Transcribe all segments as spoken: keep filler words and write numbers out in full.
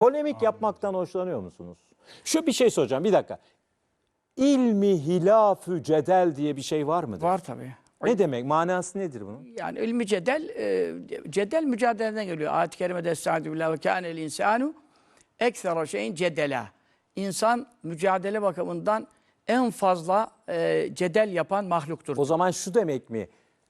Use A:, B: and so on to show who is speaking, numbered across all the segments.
A: Polemik
B: Anladım.
A: yapmaktan hoşlanıyor musunuz? Şu bir şey soracağım, bir dakika. İlmi hilafü cedel diye bir şey var mıdır?
C: Var tabii.
A: Ne demek? Manası nedir bunun?
C: Yani ilmi cedel, e, cedel mücadeleden geliyor. Ayet-i Kerime'de Estaizu billah ve kânel insanu eksera şeyin cedela. İnsan mücadele bakımından en fazla e, cedel yapan mahluktur.
A: O zaman şu demek mi?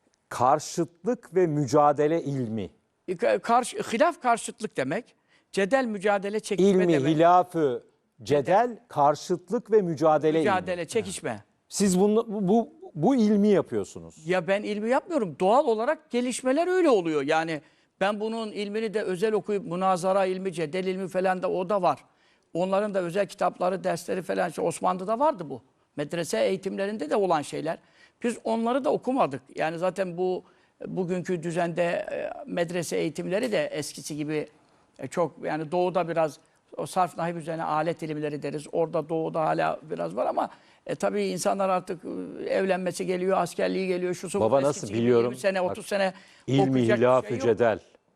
A: Karşıtlık ve mücadele ilmi.
C: Karşı, hilaf karşıtlık demek. Cedel mücadele çekişme
A: İlmi
C: demek.
A: hilafü cedel, karşıtlık ve mücadele,
C: Mücadele,
A: ilmi.
C: çekişme.
A: Siz bunu, bu, bu ilmi yapıyorsunuz.
C: Ya ben ilmi yapmıyorum. Doğal olarak gelişmeler öyle oluyor. Yani ben bunun ilmini de özel okuyup münazara ilmi, cedel ilmi falan da o da var. Onların da özel kitapları, dersleri falan. İşte Osmanlı'da vardı bu. Medrese eğitimlerinde de olan şeyler. Biz onları da okumadık. Yani zaten bu bugünkü düzende e, medrese eğitimleri de eskisi gibi e, çok, yani doğuda biraz o sarf nahiv üzerine alet ilimleri deriz. Orada doğuda hala biraz var ama e, tabii insanlar artık e, evlenmesi geliyor, askerliği geliyor, şusu bu.
A: Baba
C: Eskisi
A: nasıl
C: gibi
A: biliyorum?
C: yirmi sene, otuz
A: Bak,
C: sene
A: İlmi
C: okuyacak bir
A: hilafü
C: şey yok.
A: cedel.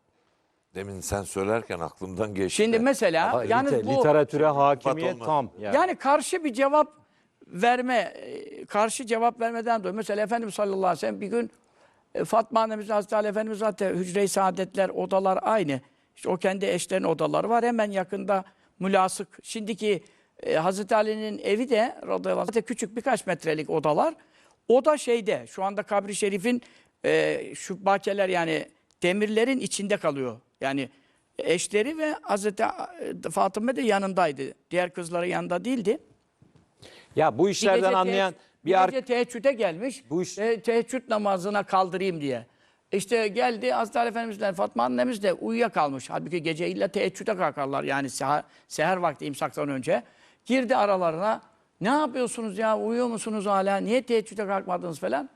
B: Demin sen söylerken aklımdan geçti.
C: Şimdi mesela
A: Ama
C: yani
A: lite-
C: bu
A: literatüre hakimiyet
B: olmaz.
A: tam. Yani.
C: yani karşı bir cevap verme, e, karşı cevap vermeden dolayı. Mesela Efendimiz sallallahu aleyhi ve sellem bir gün e, Fatma annemiz, Hazreti Ali Efendimiz zaten hücre-i saadetler, odalar aynı. İşte o kendi eşlerinin odaları var. Hemen yakında mülasık. Şimdiki e, Hazreti Ali'nin evi de radıyallahu anh, zaten küçük birkaç metrelik odalar. O da şeyde, şu anda kabri şerifin e, şu bahçeler, yani demirlerin içinde kalıyor. Yani eşleri ve Hazreti Fatıma da yanındaydı. Diğer kızları yanında değildi.
A: Ya bu
C: Bir
A: işlerden
C: gece
A: anlayan
C: teheccüd-
A: bir
C: bir
A: ar-
C: gece teheccüde gelmiş.
A: Bu iş-
C: e, teheccüd namazına kaldırayım diye. İşte geldi Hazreti Ali Efendimiz'le Fatma annemiz de uyuyakalmış. Halbuki gece illa teheccüde kalkarlar. Yani seher, seher vakti imsaktan önce. Girdi aralarına. Ne yapıyorsunuz ya? Uyuyor musunuz hala? Niye teheccüde kalkmadınız falan?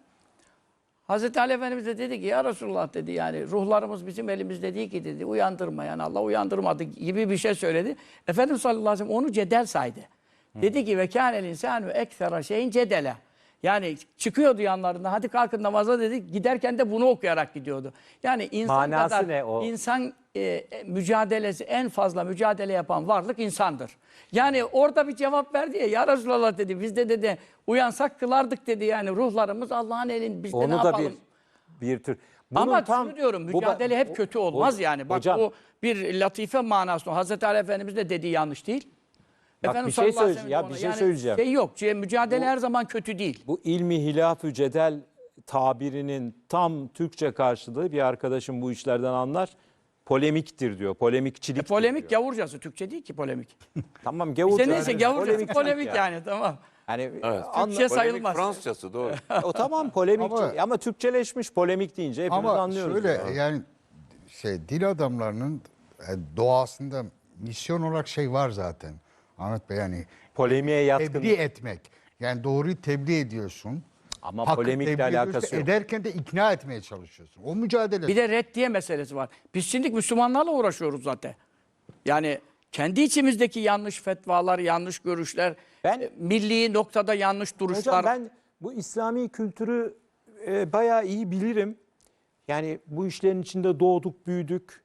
C: Hazreti Ali Efendimiz de dedi ki ya Resulullah dedi, yani ruhlarımız bizim elimizde değil ki dedi. Uyandırma, yani Allah uyandırmadı gibi bir şey söyledi. Efendimiz sallallahu aleyhi ve sellem onu cedel saydı. Dedi ki ve kânel insânü eksera şeyin cedele. Yani çıkıyordu yanlarında, hadi kalkın namaza dedi. Giderken de bunu okuyarak gidiyordu. Yani insan
A: Manası
C: kadar
A: ne o?
C: insan e, mücadelesi, en fazla mücadele yapan varlık insandır. Yani orada bir cevap verdi ya, ya Resulallah dedi, biz de dedi uyansak kılardık dedi, yani ruhlarımız Allah'ın elinde, biz de ne
A: onu da
C: yapalım?
A: bir bir tür. Bunun
C: Ama
A: tam-
C: şunu diyorum,
A: bu-
C: mücadele hep kötü olmaz
A: Ho-
C: yani. Bak
A: hocam,
C: bu bir latife manası. Hazreti Ali Efendimiz de dediği yanlış değil.
A: Bak,
C: Efendimiz
A: bir şey
C: sallallahu aleyhi ve
A: söyleyeceğim.
C: sellem
A: Ya bir
C: ona-
A: şey
C: yani
A: söyleyeceğim.
C: Şey yok, şey, mücadele
A: Bu-
C: her zaman kötü değil.
A: bu ilmi hilafü cedel tabirinin tam Türkçe karşılığı, bir arkadaşım bu işlerden anlar, polemiktir diyor. Polemikçilik.
C: E, polemik gavurcası, Türkçe değil ki polemik.
A: Tamam gavurca.
C: İşte neyse gavurcası
A: Polemikçilik
C: polemik
A: yani.
C: yani, tamam.
A: Yani
B: Evet.
A: anla-
C: Türkçe
B: Polemik
C: sayılmaz.
B: Fransızcası doğru.
A: o tamam polemikçi ama,
D: Ama-
A: Türkçeleşmiş polemik deyince hepimiz
D: Ama
A: anlıyoruz.
D: şöyle
A: ya.
D: yani şey dil adamlarının e, doğasında misyon olarak şey var zaten. Ahmet Bey, yani
A: Polemiğe yatkın.
D: tebliğ etmek. Yani doğruyu tebliğ ediyorsun.
A: Ama
D: Hakkı
A: polemikle
D: tebliğ ediyorsun,
A: alakası yok.
D: Ederken de ikna etmeye çalışıyorsun. O mücadele.
C: Bir de reddiye meselesi var. Biz şimdi Müslümanlarla uğraşıyoruz zaten. Yani kendi içimizdeki yanlış fetvalar, yanlış görüşler,
A: Ben-
C: e, milli noktada yanlış duruşlar.
A: Hocam ben bu İslami kültürü e, bayağı iyi bilirim. Yani bu işlerin içinde doğduk, büyüdük.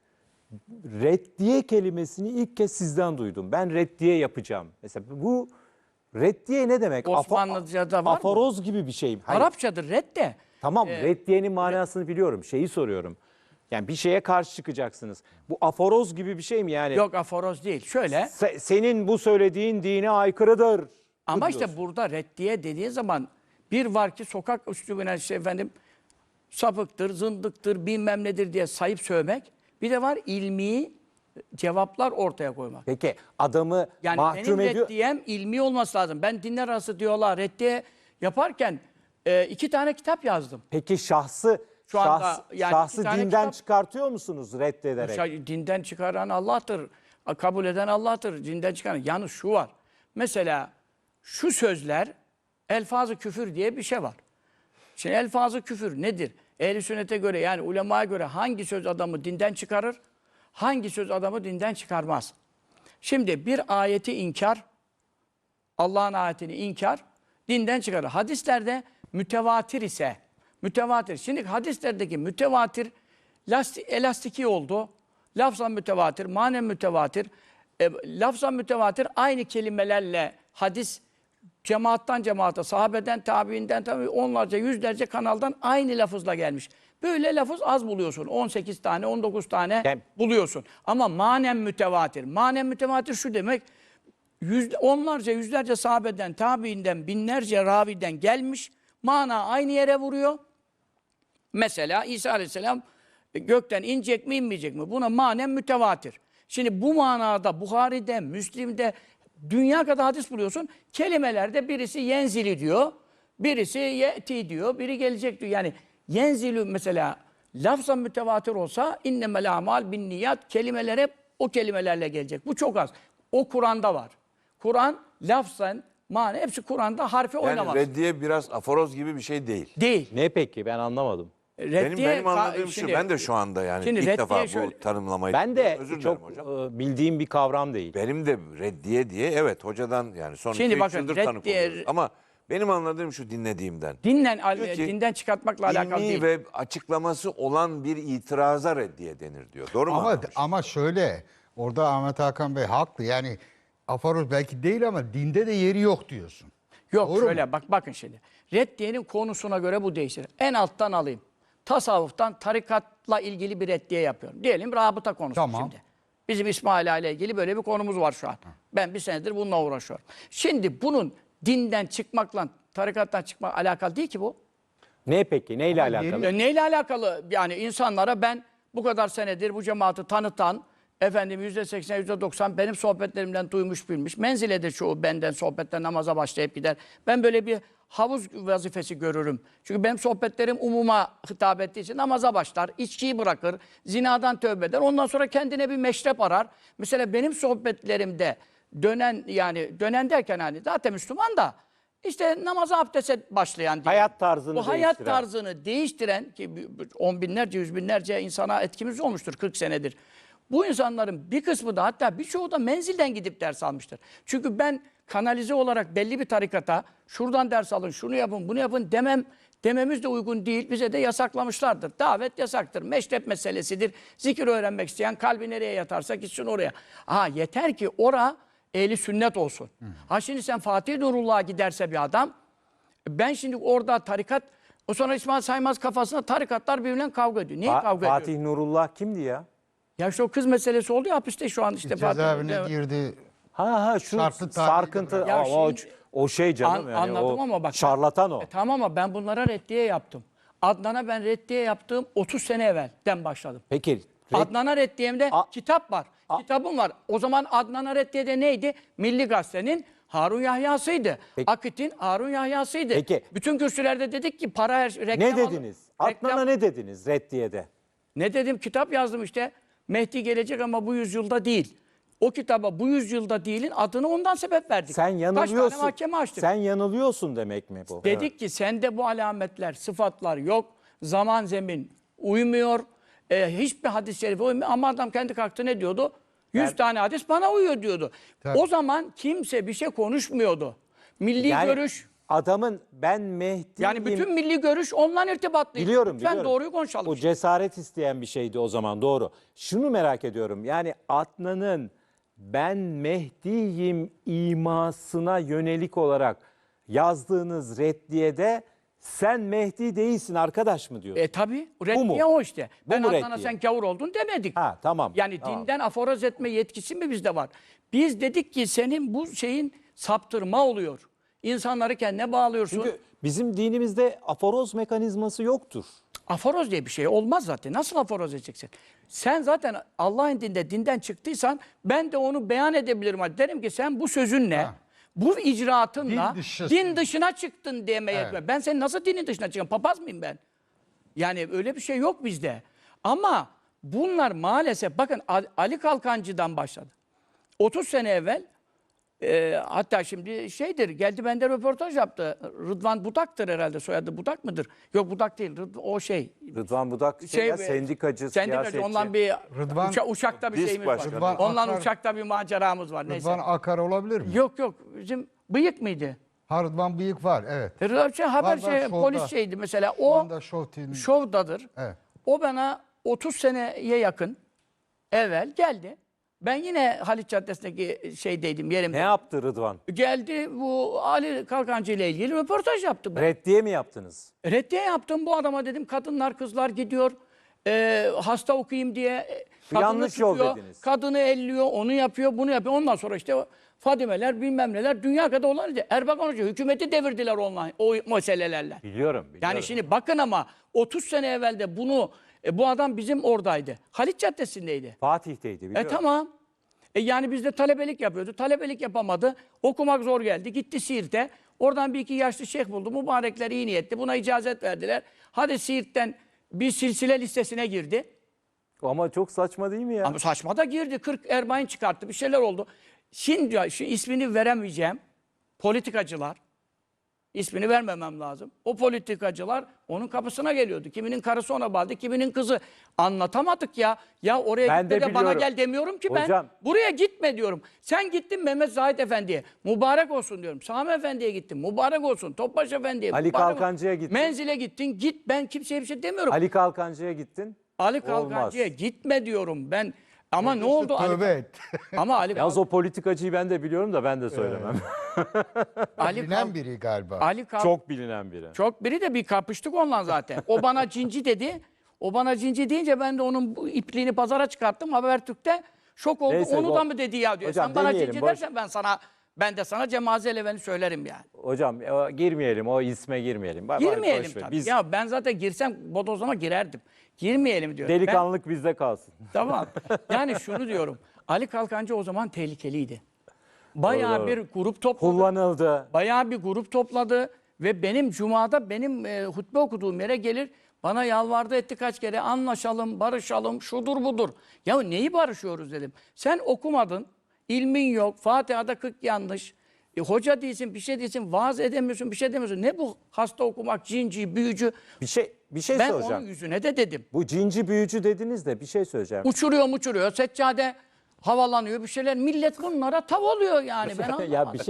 A: Reddiye kelimesini ilk kez sizden duydum. Ben reddiye yapacağım. Mesela bu reddiye ne demek? Afa-
C: Osmanlıca'da var mı?
A: Aforoz gibi bir şey. Hayır.
C: Arapçadır redde.
A: Tamam, reddiyenin manasını biliyorum. Şeyi soruyorum. Yani bir şeye karşı çıkacaksınız. Bu aforoz gibi bir şey mi yani?
C: Yok aforoz değil. Şöyle.
A: Se- senin bu söylediğin dine aykırıdır.
C: Ama
A: Bu
C: işte
A: diyorsun.
C: burada reddiye dediği zaman bir var ki sokak üslubuna işte efendim sapıktır, zındıktır, bilmem nedir diye sayıp sövmek. Bir de var ilmi cevaplar ortaya koymak.
A: Peki adamı
C: Yani
A: mahkum
C: benim
A: ediyor.
C: reddiyem ilmi olması lazım. Ben dinler arası diyorlar reddiye yaparken e, iki tane kitap yazdım.
A: Peki şahsı
C: Şu anda
A: şahs-
C: yani
A: şahsı
C: iki tane
A: dinden
C: kitap-
A: çıkartıyor musunuz reddederek?
C: Şey, dinden çıkaran Allah'tır. Kabul eden Allah'tır. Dinden çıkaran. Yalnız şu var. Mesela şu sözler elfaz-ı küfür diye bir şey var. Şimdi elfaz-ı küfür nedir? Ehl-i sünnete göre, yani ulemaya göre hangi söz adamı dinden çıkarır? Hangi söz adamı dinden çıkarmaz? Şimdi bir ayeti inkar, Allah'ın ayetini inkar, dinden çıkarır. Hadislerde mütevatir ise, mütevatir. Şimdi hadislerdeki mütevatir lasti, elastiki oldu. Lafzan mütevatir, manen mütevatir. E, lafzan mütevatir aynı kelimelerle hadis cemaattan cemaate, sahabeden, tabiinden, tabi onlarca, yüzlerce kanaldan aynı lafızla gelmiş. Böyle lafız az buluyorsun. on sekiz tane, on dokuz tane
A: Yani-
C: buluyorsun. Ama manen mütevatir. Manen mütevatir şu demek, yüz, onlarca, yüzlerce sahabeden, tabiinden, binlerce raviden gelmiş. Mana aynı yere vuruyor. Mesela İsa Aleyhisselam gökten inecek mi inmeyecek mi? Buna manen mütevatir. Şimdi bu manada Buhari'de, Müslim'de dünya kadar hadis buluyorsun. Kelimelerde birisi yenzili diyor, birisi yeti diyor, biri gelecek diyor. Yani yenzilü mesela lafzan mütevatir olsa innemel amal bin niyat, kelimeler hep o kelimelerle gelecek. Bu çok az. O Kur'an'da var. Kur'an lafzan, mane hepsi Kur'an'da harfi
B: Yani
C: oynamaz.
B: reddiye biraz aforoz gibi bir şey değil.
C: Değil.
A: Ne peki ben anlamadım.
B: Benim,
C: Reddiye
B: benim
C: ka-
B: anladığım
C: şimdi-
B: şu, ben de şu anda yani
C: şimdi
B: ilk
C: reddiye
B: defa
C: şöyle-
B: bu tanımlamayı
A: Ben de
B: özür dilerim
A: çok
B: hocam.
A: e, bildiğim bir kavram değil.
B: Benim de reddiye diye evet hocadan yani son
C: Şimdi
B: iki üç
C: bakın,
B: yıldır tanık
C: reddiye-
B: oluyoruz. Ama benim anladığım şu dinlediğimden.
C: Dinden,
B: Diyor ki,
C: dinden çıkartmakla alakalı
B: İlmi
C: değil.
B: ve açıklaması olan bir itiraza reddiye denir diyor. Doğru mu
D: Ama
B: anlamışım?
D: ama şöyle, orada Ahmet Hakan Bey haklı. Yani aforoz belki değil ama dinde de yeri yok diyorsun.
C: Yok
D: Doğru
C: şöyle
D: mu?
C: bak bakın şimdi. Reddiyenin konusuna göre bu değişir. En alttan alayım. Tasavvuftan tarikatla ilgili bir reddiye yapıyorum. Diyelim rabıta konusu
D: Tamam.
C: şimdi. Bizim İsmaila ile ilgili böyle bir konumuz var şu an. Ben bir senedir bununla uğraşıyorum. Şimdi bunun dinden çıkmakla, tarikattan çıkmak alakalı değil ki bu.
A: Ne peki? Neyle
D: Ama
A: alakalı?
C: E, neyle alakalı? Yani insanlara ben bu kadar senedir bu cemaati tanıtan, efendim yüzde seksen, yüzde doksan benim sohbetlerimden duymuş bilmiş. Menziledir çoğu benden sohbetten namaza başlayıp gider. Ben böyle bir havuz vazifesi görürüm. Çünkü benim sohbetlerim umuma hitap ettiği için namaza başlar, içkiyi bırakır, zinadan tövbe eder. Ondan sonra kendine bir meşrep arar. Mesela benim sohbetlerimde dönen, yani dönen derken hani zaten Müslüman da işte namaza abdeste başlayan diye.
A: Hayat tarzını
C: Bu hayat
A: değiştiren.
C: tarzını değiştiren ki on binlerce, yüz binlerce insana etkimiz olmuştur kırk senedir. Bu insanların bir kısmı da hatta birçoğu da menzilden gidip ders almıştır. Çünkü ben kanalize olarak belli bir tarikata şuradan ders alın, şunu yapın, bunu yapın demem dememiz de uygun değil. Bize de yasaklamışlardır. Davet yasaktır. Meşrep meselesidir. Zikir öğrenmek isteyen kalbi nereye yatarsa gitsin oraya. Ha yeter ki ora ehli sünnet olsun. Hı. Ha şimdi sen Fatih Nurullah'a giderse bir adam, ben şimdi orada tarikat, o sonra İsmail Saymaz kafasına tarikatlar birbirinden kavga ediyor. Niye
A: Fa-
C: kavga ediyor?
A: Fatih Nurullah kimdi ya?
C: Ya işte o kız meselesi oldu ya hapiste şu an işte
D: Cezaevine
C: Fatih.
D: girdi.
A: Ha ha şu
D: Şartlı tahlilde
A: sarkıntı
C: Ya
A: o, o,
C: şimdi-
A: o şey canım
C: An-
A: yani
C: anladım
A: o
C: ama bak.
A: şarlatan o.
C: E, tamam ama ben bunlara reddiye yaptım. Adnan'a ben reddiye yaptığım otuz sene evvelden başladım.
A: Peki red-
C: Adnan'a reddiyemde
A: A-
C: kitap var. Kitabım var. O zaman Adnan'a reddiyede neydi? Milli Gazete'nin Harun Yahya'sıydı.
A: Peki.
C: Akit'in Harun Yahya'sıydı.
A: Peki.
C: Bütün kürsülerde dedik ki para her reklam
A: ne
C: al-
A: dediniz?
C: reklam-
A: Adnan'a ne dediniz Reddiye'de?
C: Ne dedim? Kitap yazdım işte. Mehdi gelecek ama bu yüzyılda değil. O kitaba bu yüzyılda değilin adını ondan sebep verdik.
A: Sen
C: Kaç
A: yanılıyorsun.
C: tane mahkeme açtık.
A: Sen yanılıyorsun demek mi bu?
C: Dedik ki sende bu alametler, sıfatlar yok. Zaman zemin uymuyor. E, hiçbir hadis-i şerife uymuyor. Ama adam kendi kalktı ne diyordu? Yüz tane hadis bana uyuyor diyordu.
D: Tabii.
C: O zaman kimse bir şey konuşmuyordu. Milli
A: Yani
C: görüş,
A: adamın ben Mehdi'yim.
C: yani bütün milli görüş onunla irtibatlıydı.
A: Biliyorum,
C: Lütfen
A: biliyorum.
C: doğruyu konuşalım.
A: O cesaret isteyen bir şeydi o zaman, doğru. Şunu merak ediyorum. Yani Adnan'ın ben Mehdi'yim imasına yönelik olarak yazdığınız reddiyede sen Mehdi değilsin arkadaş mı diyor?
C: E tabi.
A: mu?
C: Reddiye o işte.
A: Bu
C: Ben
A: mu
C: Adnan'a
A: reddiye?
C: sen gavur oldun demedik.
A: Ha tamam.
C: Yani
A: tamam.
C: dinden aforoz etme yetkisi mi bizde var? Biz dedik ki senin bu şeyin saptırma oluyor. İnsanları kendine bağlıyorsun.
A: Çünkü bizim dinimizde aforoz mekanizması yoktur.
C: Aforoz diye bir şey olmaz zaten. Nasıl aforoz edeceksin? Sen zaten Allah'ın dinde dinden çıktıysan ben de onu beyan edebilirim. Hadi derim ki sen bu sözünle,
D: Ha.
C: bu icraatınla
D: Din dışı.
C: din dışına çıktın demeye
D: Evet.
C: yetmez. Ben senin nasıl dinin dışına çıkacağım? Papaz mıyım ben? Yani öyle bir şey yok bizde. Ama bunlar maalesef bakın Ali- Ali Kalkancı'dan başladı. otuz sene evvel e, hatta şimdi şeydir geldi bende röportaj yaptı. Rıdvan Budak'tır herhalde soyadı Budak mıdır? Yok Budak değil Rıd- o şey.
A: Rıdvan Budak şey,
C: Şey,
A: ya,
C: e,
A: sendikacı,
C: Sendikacı
A: siyasetçi.
C: ondan bir
D: Rıdvan-
C: uça- uçakta bir
B: Disk
C: şeyimiz
B: başkanı.
C: var.
D: Rıdvan
C: Ondan
D: Akar-
C: uçakta bir maceramız var neyse.
D: Rıdvan Akar olabilir mi?
C: Yok yok bizim bıyık mıydı?
D: Ha, Rıdvan Bıyık var, evet.
C: E, Rıdvan şey, haber
D: Var, var,
C: şey
D: şovda.
C: polis şeydi mesela
D: Şu
C: o
D: anda Show T V'nin-
C: şovdadır.
D: Evet.
C: O bana otuz seneye yakın evvel geldi. Ben yine Haliç Caddesi'ndeki şeydeydim, yerimde.
A: Ne yaptı Rıdvan?
C: Geldi bu Ali Kalkancı ile ilgili röportaj yaptı. Ben.
A: Reddiye mi yaptınız?
C: Reddiye yaptım bu adama, dedim kadınlar kızlar gidiyor e, hasta okuyayım diye e, kadını
A: Yanlış yol
C: tutuyor,
A: dediniz.
C: kadını elliyor, onu yapıyor, bunu yapıyor. Ondan sonra işte Fadimeler bilmem neler dünya kadar olan idi. Erbakan Hoca hükümeti devirdiler online o meselelerle.
A: Biliyorum, biliyorum.
C: Yani şimdi bakın ama otuz sene evvelde bunu e, bu adam bizim oradaydı. Haliç Caddesi'ndeydi.
A: Fatih'teydi biliyorum.
C: E tamam. E yani biz de talebelik yapıyordu. Talebelik yapamadı. Okumak zor geldi. Gitti Siirt'e. Oradan bir iki yaşlı şeyh buldu. Mübarekler iyi niyetli. Buna icazet verdiler. Hadi Siirt'ten bir silsile listesine girdi.
A: Ama çok saçma değil mi ya?
C: Ama saçma da girdi. kırk erbain çıkarttı. Bir şeyler oldu. Şimdi şu ismini veremeyeceğim politikacılar, ismini vermemem lazım. O politikacılar onun kapısına geliyordu. Kiminin karısı ona bağlı, kiminin kızı. Anlatamadık ya. Ya oraya
A: Ben
C: gitme
A: de
C: de, bana
A: biliyorum.
C: gel demiyorum ki ben.
A: Hocam.
C: Buraya gitme diyorum. Sen gittin Mehmet Zahid Efendi'ye. Mübarek olsun diyorum. Sami Efendi'ye gittin. Mübarek olsun. Topbaş Efendi'ye.
A: Ali
C: mübarek olsun.
A: Kalkancı'ya gittin.
C: Menzile gittin. Git. Ben kimseye bir şey demiyorum. Ali,
A: Ali Kalkancı'ya gittin.
C: Kalkancı'ya gitme diyorum ben. Ama ne oldu? Ali,
D: Tövbe et.
C: ama Ali,
A: Yalnız o politikacıyı ben de biliyorum da ben de söylemem.
C: Ali,
D: Bilinen
C: Kalk-
D: biri galiba.
C: Ali Kalk-
A: Çok bilinen biri.
C: Çok biri de bir kapıştık onunla zaten. O bana cinci dedi. O bana cinci deyince ben de onun bu ipliğini pazara çıkarttım. Habertürk'te şok oldu.
A: Neyse,
C: Onu
A: bu-
C: da mı dedi ya diyor.
A: Hocam
C: Sen bana
A: demeyelim,
C: cinci
A: boş-
C: dersen ben sana ben de sana Cemaze Eleven'i söylerim yani.
A: Hocam o, girmeyelim, o isme girmeyelim. Bak, bak,
C: Girmeyelim
A: boş ver.
C: tabii.
A: Biz
C: Ya ben zaten girsem bodozlama girerdim. Girmeyelim diyor. Ben-
A: delikanlılık bizde kalsın.
C: Tamam. Yani şunu diyorum. Ali Kalkancı o zaman tehlikeliydi. Bayağı
A: Doğru,
C: bir grup topladı.
A: Kullanıldı.
C: Bayağı bir grup topladı ve benim Cuma'da benim e, hutbe okuduğum yere gelir bana yalvardı etti kaç kere anlaşalım, barışalım, şudur budur. Ya neyi barışıyoruz dedim. Sen okumadın, ilmin yok, Fatiha'da kırk yanlış, e, hoca değilsin, bir şey değilsin, vaaz edemiyorsun, bir şey demiyorsun. Ne bu hasta okumak, cinci, büyücü?
A: Bir şey bir şey
C: Ben
A: soracağım.
C: onun yüzüne de dedim.
A: Bu cinci büyücü dediniz de bir şey söyleyeceğim.
C: Uçuruyor uçuruyor, seccade havalanıyor bir şeyler. Millet bunlara tav oluyor yani ben anlamadım.
A: ya bir şey